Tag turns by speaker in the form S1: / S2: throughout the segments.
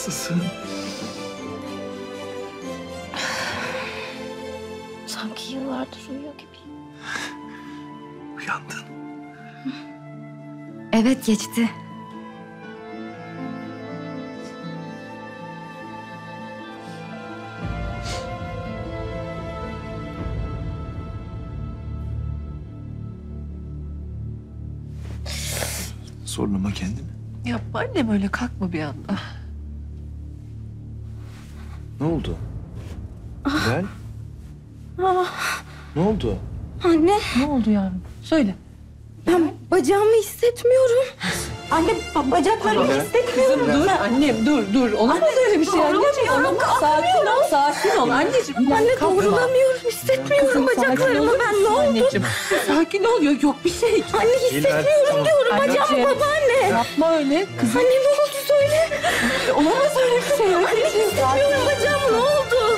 S1: Nasılsın?
S2: Sanki yıllardır uyuyor gibiyim.
S1: Uyandın.
S3: Evet, geçti.
S1: Zorlama kendini.
S4: Yapma annem, öyle kalkma bir anda.
S1: Ne oldu? Hilal? Ne oldu?
S2: Anne,
S4: Ne oldu yavrum? Söyle.
S2: ben bacağımı hissetmiyorum. Anne, bacaklarımı hissetmiyorum.
S4: Kızım dur annem, dur. Olamaz öyle bir şey anneciğim. Olamaz. Sakin ol anneciğim.
S2: Anne,
S4: Kalkma.
S2: doğrulamıyorum, hissetmiyorum
S4: Kızım,
S2: bacaklarımı.
S4: sakin
S2: Ben
S4: olur
S2: ne
S4: musun
S2: oldu?
S4: anneciğim? Sakin ol, yok bir şey.
S2: Anne, hissetmiyorum diyorum. Bacağımı
S4: Anneciğim.
S2: babaanne.
S4: Yapma öyle. Kızım,
S2: Anne, ne oldu söyle.
S4: olamaz öyle bir şey.
S2: Anne, hissetmiyorum bacağımı, ne oldu?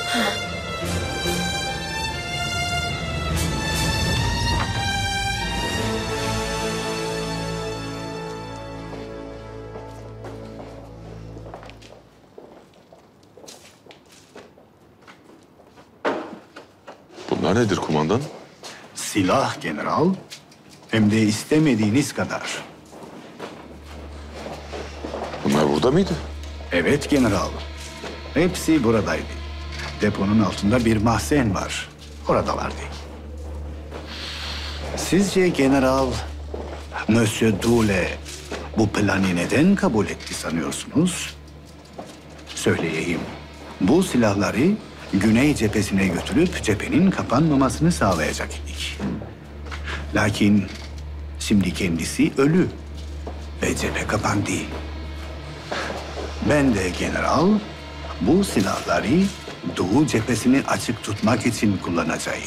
S5: Bunlar nedir kumandan?
S6: Silah general, hem de istemediğiniz kadar.
S5: Bunlar burada mıydı?
S6: Evet general, hepsi buradaydı. Deponun altında bir mahzen var, oradalardı. Sizce general, Monsieur Doule bu planı neden kabul etti sanıyorsunuz? Söyleyeyim, bu silahları Güney cephesine götürüp cephenin kapanmamasını sağlayacak idik. Lakin şimdi kendisi ölü ve cephe kapandı. Ben de general bu silahları Doğu cephesini açık tutmak için kullanacağım.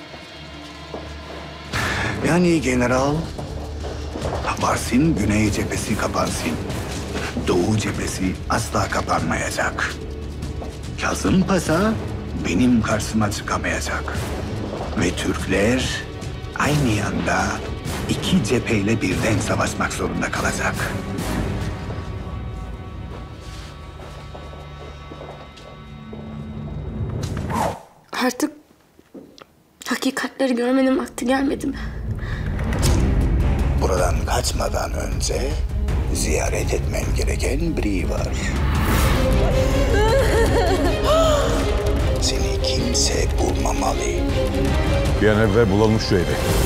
S6: Yani general, varsın Güney cephesi kapansın. Doğu cephesi asla kapanmayacak. Kazım Paşa benim karşıma çıkamayacak. Ve Türkler aynı anda iki cepheyle birden savaşmak zorunda kalacak.
S2: Artık hakikatleri görmenin vakti gelmedi mi?
S6: Buradan kaçmadan önce ziyaret etmem gereken biri var. Seni kimse bulmamalı.
S5: Bir an evvel bulalım şu evi.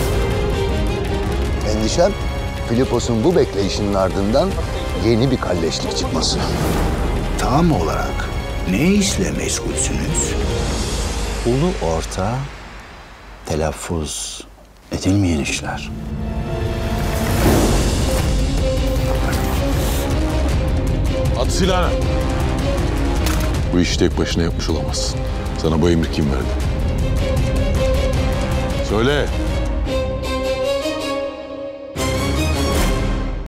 S7: Endişem, Filipos'un bu bekleyişinin ardından yeni bir kalleşlik çıkması.
S6: Tam olarak ne işle meşgulsünüz?
S8: Ulu orta, telaffuz edilmeyen işler.
S5: At silahını. Bu işi tek başına yapmış olamazsın. Sana bu emri kim verdi? Söyle.